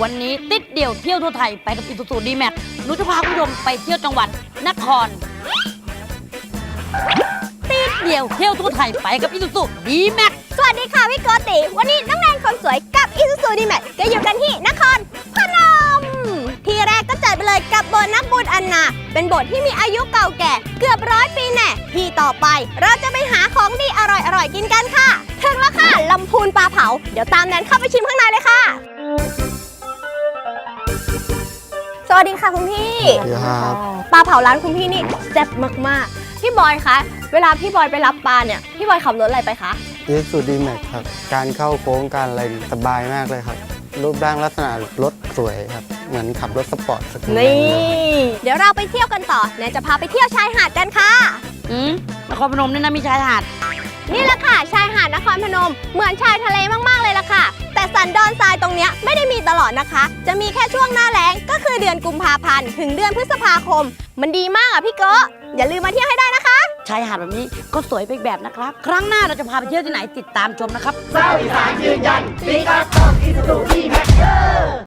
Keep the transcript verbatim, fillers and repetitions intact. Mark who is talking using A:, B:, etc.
A: วันนี้ติดเดี่ยวเที่ยวทั่วไทยไปกับอิซูซูดีแม็กหนูจะพาคุณผู้ชมไปเที่ยวจังหวัดนครติดเดี่ยวเที่ยวทั่วไทยไปกับอิซูซูดีแม็ก
B: สวัสดีค่ะพี่โกติวันนี้น้องแนนคนสวยกับอิซูซูดีแม็กก็อยู่กันที่นครพนมที่แรกก็จัดไปเลยกับโบสถ์นักบุญอันนาเป็นโบสถ์ที่มีอายุเก่าแก่เกือบร้อยปีแน่ที่ต่อไปเราจะไปหาของดีอร่อยๆกินกันค่ะถึงแล้วค่ะลำพูนปลาเผาเดี๋ยวตามแนนเข้าไปชิมข้างในเลยค่ะสวัสดีค่ะคุณพี่
C: สวัสดีครับ
B: ปลาเผาร้านคุณพี่นี่แซ่บมากๆพี่บอยคะเวลาพี่บอยไปรับปลาเนี่ยพี่บอยขับรถอะไรไปคะ
C: อีซูซูดีแม็กครับการเข้าโค้งการอะไรสบายมากเลยครับรูปร่างลักษณะรถสวยครับเหมือนขับรถสปอร์ตสักนิด
B: นี่เดี๋ยวเราไปเที่ยวกันต่อแนนจะพาไปเที่ยวชายหาดกันค่ะ
A: อืมนครพนมนี่นะมีชายหาด
B: นี่แหละค่ะชายหาดนครพนมเหมือนชายทะเลมากๆเลยล่ะค่ะแต่สันดอนทรายตรงเนี้ยไม่ได้มีตลอดนะคะจะมีแค่ช่วงหน้าแล้งก็คือเดือนกุมภาพันธ์ถึงเดือนพฤษภาคมมันดีมากอ่ะพี่โกอย่าลืมมาเที่ยวให้ได้นะคะ
A: ชายหาดแบบนี้ก็สวยไปอีกแบบนะครับครั้งหน้าเราจะพาไปเที่ยวที่ไหนติดตามชมนะครับ
D: เศร้าอีสานยืนยันปีกาต้องอิซูซูดีแม็ก